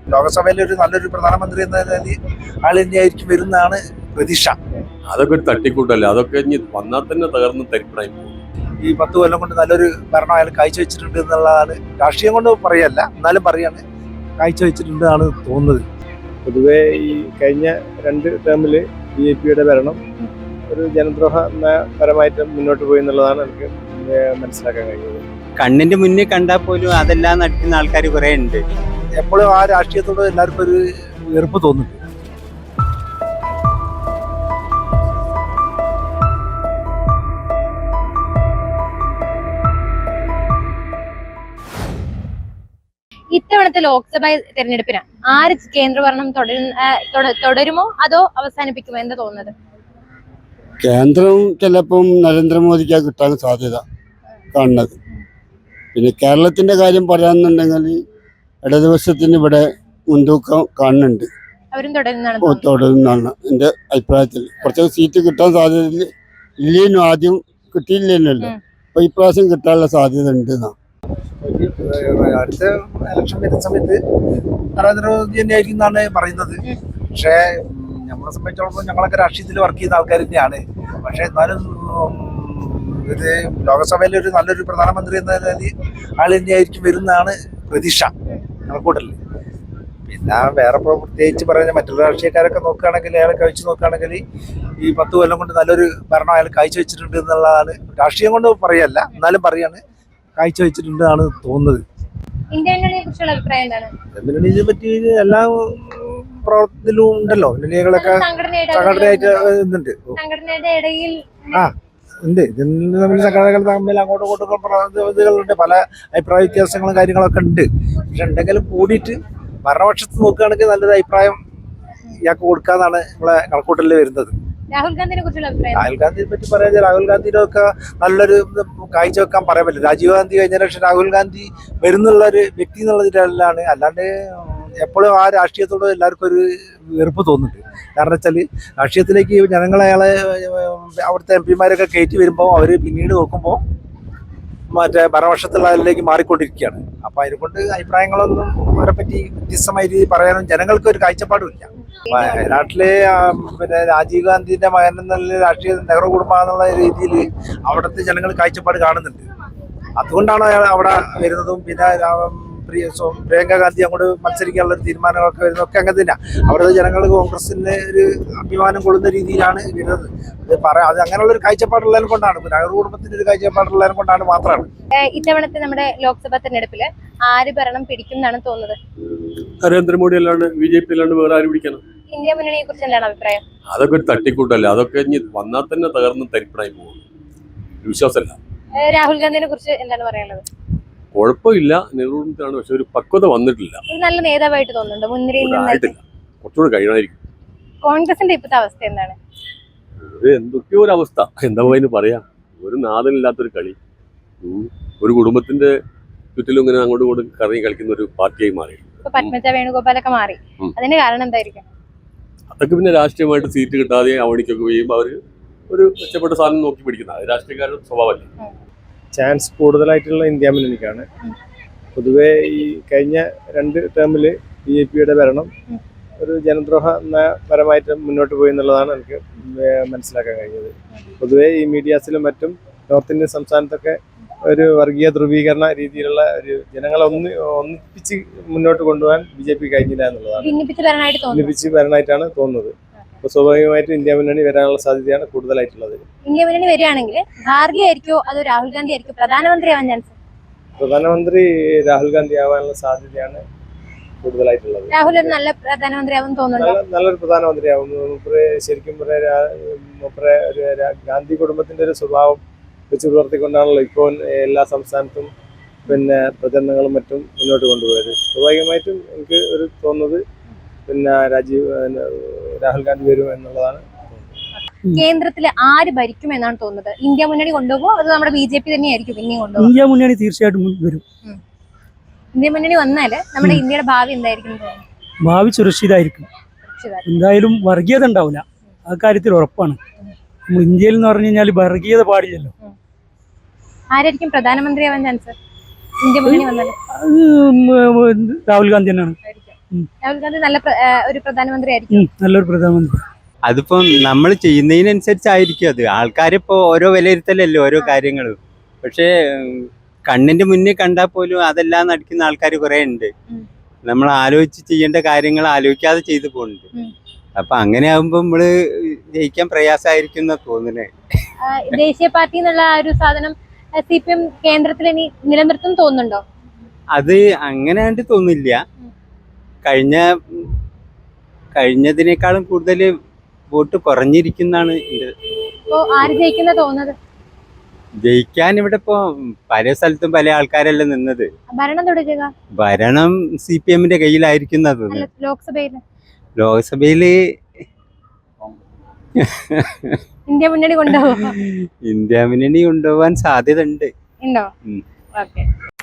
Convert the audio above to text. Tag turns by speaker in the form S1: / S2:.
S1: ലോകസഭയിലെ ഒരു നല്ലൊരു പ്രധാനമന്ത്രി എന്ന നിലയിൽ ആൾ തന്നെയായിരിക്കും വരുന്നതാണ് പ്രതീക്ഷ.
S2: അതൊക്കെ ഒരു തട്ടിക്കൂട്ടല്ലേ, അതൊക്കെ ഇനി വന്നാൽ തന്നെ തകർന്ന് തരിപ്പണായി പോകും.
S1: ഈ 10 കൊല്ലം കൊണ്ട് നല്ലൊരു ഭരണം അയാൾ കാഴ്ചവെച്ചിട്ടുണ്ട് എന്നുള്ളതാണ്, രാഷ്ട്രീയം കൊണ്ട് പറയല്ല, എന്നാലും പറയാണ് കാഴ്ചവെച്ചിട്ടുണ്ടെന്നാണ് തോന്നുന്നത്.
S3: പൊതുവെ ഈ കഴിഞ്ഞ 2 ടേമില് BJP-യുടെ ഭരണം ഒരു ജനദ്രോഹപരമായിട്ട് മുന്നോട്ട് പോയി എന്നുള്ളതാണ് എനിക്ക് മനസ്സിലാക്കാൻ കഴിയുന്നത്.
S4: കണ്ണിന്റെ മുന്നിൽ കണ്ടാൽ പോലും അതെല്ലാം നടിക്കുന്ന ആൾക്കാർ കുറെ ഉണ്ട്.
S1: എപ്പോഴും ആ രാഷ്ട്രീയത്തോട് എല്ലാവർക്കും ഒരു വെറുപ്പ് തോന്നുന്നുണ്ട്.
S5: ഇത്തവണത്തെ ലോക്സഭാ തെരഞ്ഞെടുപ്പിന് ആര് കേന്ദ്രഭരണം തുടരുമോ അതോ അവസാനിപ്പിക്കുമോ എന്താ തോന്നുന്നത്?
S6: കേന്ദ്രം ചിലപ്പം നരേന്ദ്രമോദിക്കാണ് കിട്ടാൻ സാധ്യത കാണുന്നത്. പിന്നെ കേരളത്തിന്റെ കാര്യം പറയാന്നുണ്ടെങ്കിൽ ഇടതുപക്ഷത്തിന് ഇവിടെ മുൻതൂക്കം കാണുന്നുണ്ട്, തുടരുന്നതാണ് എൻ്റെ അഭിപ്രായത്തിൽ. കുറച്ചൊക്കെ സീറ്റ് കിട്ടാൻ സാധ്യത ഇല്ലേനും, ആദ്യം കിട്ടിയില്ലേനല്ലോ, അപ്പൊ ഇപ്രാവശ്യം കിട്ടാനുള്ള സാധ്യത ഉണ്ട് എന്നാ.
S1: അടുത്ത ഇലക്ഷൻ വരുന്ന സമയത്ത് നരേന്ദ്രമോദി തന്നെ ആയിരിക്കും എന്നാണ് പറയുന്നത്. പക്ഷേ നമ്മളെ സംബന്ധിച്ചിടത്തോളം ഞങ്ങളൊക്കെ രാഷ്ട്രീയത്തിൽ വർക്ക് ചെയ്യുന്ന ആൾക്കാർ തന്നെയാണ്. പക്ഷെ എന്നാലും ഇത് ലോകസഭയിലെ ഒരു നല്ലൊരു പ്രധാനമന്ത്രി എന്ന നിലയിൽ ആൾ തന്നെയായിരിക്കും വരുന്നതാണ് പ്രതീക്ഷ കണക്കൂട്ടലിൽ. പിന്നെ വേറെ പ്രത്യേകിച്ച് പറയുന്ന മറ്റുള്ള രാഷ്ട്രീയക്കാരൊക്കെ നോക്കുകയാണെങ്കിൽ, അയാളെ കഴിച്ചു നോക്കുകയാണെങ്കിൽ ഈ 10 കൊല്ലം കൊണ്ട് നല്ലൊരു ഭരണം അയാൾ കാഴ്ചവെച്ചിട്ടുണ്ട് എന്നുള്ളതാണ്, രാഷ്ട്രീയം കൊണ്ട് പറയല്ല, എന്നാലും പറയാണ് കാഴ്ചവെച്ചിട്ടുണ്ടെന്നാണ് തോന്നുന്നത്. മുന്നണിയെ പറ്റി എല്ലാ പ്രവർത്തനത്തിലും ഉണ്ടല്ലോ, മുന്നണികളൊക്കെ സംഘടനയായിട്ട് ഉണ്ട്. ഉണ്ട്, ഇതിന് തമ്മിൽ സംഘടനകൾ തമ്മിൽ അങ്ങോട്ടും ഇങ്ങോട്ടും ഇതുകളുണ്ട്, പല അഭിപ്രായ വ്യത്യാസങ്ങളും കാര്യങ്ങളൊക്കെ ഉണ്ട്. പക്ഷെ ഉണ്ടെങ്കിലും കൂടിയിട്ട് ഭരണപക്ഷത്ത് നോക്കുകയാണെങ്കിൽ നല്ലൊരു അഭിപ്രായം ഇയാൾക്ക് കൊടുക്കാന്നാണ് നമ്മളെ കണക്കൂട്ടലിൽ വരുന്നത്.
S5: രാഹുൽ ഗാന്ധിയെ
S1: പറ്റി പറയാൻ, രാഹുൽ ഗാന്ധിയുടെ ഒക്കെ നല്ലൊരു കാഴ്ചവെക്കാൻ പറയാൻ പറ്റില്ല. രാജീവ് ഗാന്ധി കഴിഞ്ഞ ശേഷം രാഹുൽ ഗാന്ധി വരുന്നുള്ള ഒരു വ്യക്തി എന്നുള്ളതിലാണ്, അല്ലാണ്ട് എപ്പോഴും ആ രാഷ്ട്രീയത്തോട് എല്ലാവർക്കും ഒരു വെറുപ്പ് തോന്നുന്നുണ്ട്. കാരണം വെച്ചാൽ രാഷ്ട്രീയത്തിലേക്ക് ജനങ്ങൾ അയാളെ അവിടുത്തെ MP-മാരൊക്കെ കയറ്റി വരുമ്പോൾ അവർ പിന്നീട് നോക്കുമ്പോൾ മറ്റേ ഭരണപക്ഷത്തുള്ളതിലേക്ക് മാറിക്കൊണ്ടിരിക്കുകയാണ്. അപ്പോൾ അതിനെക്കൊണ്ട് അഭിപ്രായങ്ങളൊന്നും അവരെ പറ്റി വ്യത്യസ്തമായ രീതിയിൽ പറയാനും ജനങ്ങൾക്ക് ഒരു കാഴ്ചപ്പാടുമില്ല. വയനാട്ടിലെ പിന്നെ രാജീവ് ഗാന്ധിന്റെ മകൻ എന്നുള്ള രാഷ്ട്രീയ നെഹ്റു കുടുംബം എന്നുള്ള രീതിയിൽ അവിടുത്തെ ജനങ്ങൾ കാഴ്ചപ്പാട് കാണുന്നുണ്ട്. അതുകൊണ്ടാണ് അയാൾ അവിടെ വരുന്നതും. പിന്നെ പ്രിയങ്ക ഗാന്ധി അങ്ങോട്ട് മത്സരിക്കാനുള്ള ഒരു തീരുമാനങ്ങളൊക്കെ വരുന്നതൊക്കെ അങ്ങനെ തന്നെയാണ്. അവിടുത്തെ ജനങ്ങൾ കോൺഗ്രസിന് ഒരു അഭിമാനം കൊള്ളുന്ന രീതിയിലാണ് വരുന്നത്. അത് അങ്ങനെയുള്ള ഒരു കാഴ്ചപ്പാടുള്ളതിനെ കൊണ്ടാണ്, നെഹ്റു കുടുംബത്തിന്റെ ഒരു കാഴ്ചപ്പാടുള്ളതിനെ കൊണ്ടാണ് മാത്രമാണ്.
S5: ഇത്തവണത്തെ നമ്മുടെ ലോക്സഭാ തെരഞ്ഞെടുപ്പില് ആര് ഭരണം പിടിക്കും എന്നാണ് തോന്നുന്നത്?
S2: നരേന്ദ്രമോദി അല്ലാണ്ട് BJP അല്ലാണ്ട് വേറെ ആര് പിടിക്കണം?
S5: ഇന്ത്യ മുന്നണിയെ കുറിച്ച് എന്താണ് അഭിപ്രായം?
S2: അതൊക്കെ ഒരു തട്ടിക്കൂട്ടല്ലേ, അതൊക്കെ ഇനി വന്നാൽ തന്നെ തകർന്ന് തരിപ്പണായി പോകും. വിശ്വാസമല്ല.
S5: രാഹുൽ ഗാന്ധിനെ കുറിച്ച് എന്താണ് പറയാനുള്ളത്?
S2: കുഴപ്പമില്ല, നെഹ്റുവിനാണ്, പക്ഷെ ഒരു പക്വത വന്നിട്ടില്ല.
S5: നല്ല നേതാവായിട്ട് തോന്നുന്നുണ്ട്, മുൻനിരയിൽ
S2: ആയിട്ടില്ല, കുറച്ചുകൂടെ കഴിയണമായിരിക്കും.
S5: കോൺഗ്രസിന്റെ ഇപ്പോഴത്തെ അവസ്ഥ എന്താണ്?
S2: എന്തൊക്കെയോ ഒരു അവസ്ഥ, എന്താ അതിന് പറയാ, ഒരു നാഥനില്ലാത്തൊരു കളി. ഒരു കുടുംബത്തിന്റെ ചുറ്റിലും ഇങ്ങനെ അങ്ങോട്ടും ഇങ്ങോട്ടും കറങ്ങി കളിക്കുന്ന ഒരു പാർട്ടിയായി മാറി.
S5: പത്മജ വേണുഗോപാലൊക്കെ മാറി, അതിന്റെ കാരണം എന്തായിരിക്കും?
S2: അതൊക്കെ പിന്നെ രാഷ്ട്രീയമായിട്ട് സീറ്റ് കിട്ടാതെ അവണിക്കൊക്കെ ചെയ്യുമ്പോൾ അവര് ഒരു മെച്ചപ്പെട്ട സാധനം നോക്കി പിടിക്കുന്ന രാഷ്ട്രീയക്കാരുടെ സ്വഭാവമല്ലേ.
S3: ചാൻസ് കൂടുതലായിട്ടുള്ള ഇന്ത്യ മുന്നണിക്കാണ്. പൊതുവെ ഈ കഴിഞ്ഞ 2 ടേമില് BJP-യുടെ ഭരണം ഒരു ജനദ്രോഹപരമായിട്ട് മുന്നോട്ട് പോയി എന്നുള്ളതാണ് എനിക്ക് മനസ്സിലാക്കാൻ കഴിഞ്ഞത്. പൊതുവെ ഈ മീഡിയാസിലും മറ്റും നോർത്ത് ഇന്ത്യൻ സംസ്ഥാനത്തൊക്കെ ഒരു വർഗീയ ധ്രുവീകരണ രീതിയിലുള്ള ഒരു ജനങ്ങളെ ഒന്നിപ്പിച്ച് മുന്നോട്ട് കൊണ്ടുപോകാൻ BJP കഴിഞ്ഞില്ല എന്നുള്ളതാണ്. ഭിന്നിപ്പിച്ച് ഭരണമായിട്ടാണ് തോന്നുന്നത്. അപ്പോൾ സ്വാഭാവികമായിട്ടും ഇന്ത്യ മുന്നണി വരാനുള്ള സാധ്യതയാണ് കൂടുതലായിട്ടുള്ളത്.
S5: ഇന്ത്യ മുന്നണി വരികയാണെങ്കിൽ ഖാർഗെ ആയിരിക്കോ അതോ രാഹുൽ ഗാന്ധി ആയിരിക്കും പ്രധാനമന്ത്രി ആവാൻ ചാൻസ്?
S3: പ്രധാനമന്ത്രി രാഹുൽ ഗാന്ധി ആവാനുള്ള സാധ്യതയാണ് കൂടുതലായിട്ടുള്ളത്.
S5: രാഹുൽ ഒരു നല്ല പ്രധാനമന്ത്രി ആവും തോന്നുന്നു.
S3: നല്ലൊരു പ്രധാനമന്ത്രി ആവും. ശരിക്കും ഗാന്ധി കുടുംബത്തിന്റെ ഒരു സ്വഭാവം വെച്ച് പുലർത്തിക്കൊണ്ടാണല്ലോ ഇപ്പോൾ എല്ലാ സംസ്ഥാനത്തും പിന്നെ പ്രചരണങ്ങളും മറ്റും മുന്നോട്ട് കൊണ്ടുപോയത്. സ്വാഭാവികമായിട്ടും എനിക്ക് ഒരു തോന്നുന്നത് പിന്നെ രാഹുൽ ഗാന്ധി വരും എന്നുള്ളതാണ്.
S5: കേന്ദ്രത്തിൽ ആര് ഭരിക്കും എന്നാണ് തോന്നുന്നത്? ഇന്ത്യ മുന്നണി കൊണ്ടുപോകുമോ അത് നമ്മുടെ BJP തന്നെയായിരിക്കും പിന്നെയും കൊണ്ടുപോകും?
S7: ഇന്ത്യ മുന്നണി തീർച്ചയായിട്ടും വരും.
S5: ഇന്ത്യ മുന്നണി വന്നാല് നമ്മുടെ ഇന്ത്യയുടെ ഭാവി എന്തായിരിക്കും?
S7: ഭാവി സുരക്ഷിതമായിരിക്കും. എന്തായാലും വർഗീയത ഉണ്ടാവില്ല, ആ കാര്യത്തിൽ ഉറപ്പാണ്. നമ്മൾ ഇന്ത്യയിൽ എന്ന് പറഞ്ഞു കഴിഞ്ഞാൽ വർഗീയത പാടില്ലല്ലോ.
S5: ആരായിരിക്കും പ്രധാനമന്ത്രി ആവാൻ ചാൻസ് ഇന്ത്യ മുന്നണി വന്നാല്?
S7: രാഹുൽ ഗാന്ധി തന്നെയാണ്.
S5: രാഹുൽ ഗാന്ധി നല്ല ഒരു പ്രധാനമന്ത്രി ആയിരിക്കും.
S7: നല്ലൊരു പ്രധാനമന്ത്രി.
S4: അതിപ്പം നമ്മൾ ചെയ്യുന്നതിനനുസരിച്ചായിരിക്കും അത്. ആൾക്കാരിപ്പോ ഓരോ വിലയിരുത്തലല്ലേ ഓരോ കാര്യങ്ങളും. പക്ഷേ കണ്ണിന്റെ മുന്നിൽ കണ്ടാൽ പോലും അതെല്ലാം നടിക്കുന്ന ആൾക്കാർ കുറെ ഉണ്ട്. നമ്മൾ ആലോചിച്ച് ചെയ്യേണ്ട കാര്യങ്ങൾ ആലോചിക്കാതെ ചെയ്തു പോകുന്നുണ്ട്. അപ്പൊ അങ്ങനെ ആകുമ്പോ നമ്മള് ജയിക്കാൻ പ്രയാസമായിരിക്കും എന്നാ തോന്നുന്നത്.
S5: ദേശീയ പാർട്ടി എന്നുള്ള ആ ഒരു സാധനം CPM കേന്ദ്രത്തിൽ ഇനി നിലനിർത്തും തോന്നുന്നുണ്ടോ?
S4: അത് അങ്ങനെ ആയിട്ട് തോന്നില്ല. കഴിഞ്ഞതിനേക്കാളും കൂടുതൽ വോട്ട് കുറഞ്ഞിരിക്കുന്നതാണ് എൻ്റെ.
S5: ഇപ്പോ ആര് ജയിക്കുന്ന തോന്നുന്നത്?
S4: ജയിക്കാൻ ഇവിടെ ഇപ്പോ പല സ്ഥലത്തും പല ആൾക്കാരല്ലേ നിന്നത്.
S5: ഭരണം തുടരുക?
S4: ഭരണം CPM കയ്യിലായിരിക്കും എന്നാ
S5: അല്ല,
S4: തോന്നുന്നത്.
S5: ലോക്സഭയില്
S4: ലോക്സഭയില്
S5: ഇന്ത്യ മുന്നണി കൊണ്ടുപോകും
S4: ഇന്ത്യ മുന്നണി കൊണ്ടുപോകാൻ സാധ്യത ഉണ്ട്.
S5: ഉണ്ടോ?
S4: ഉം.
S5: ഓക്കെ.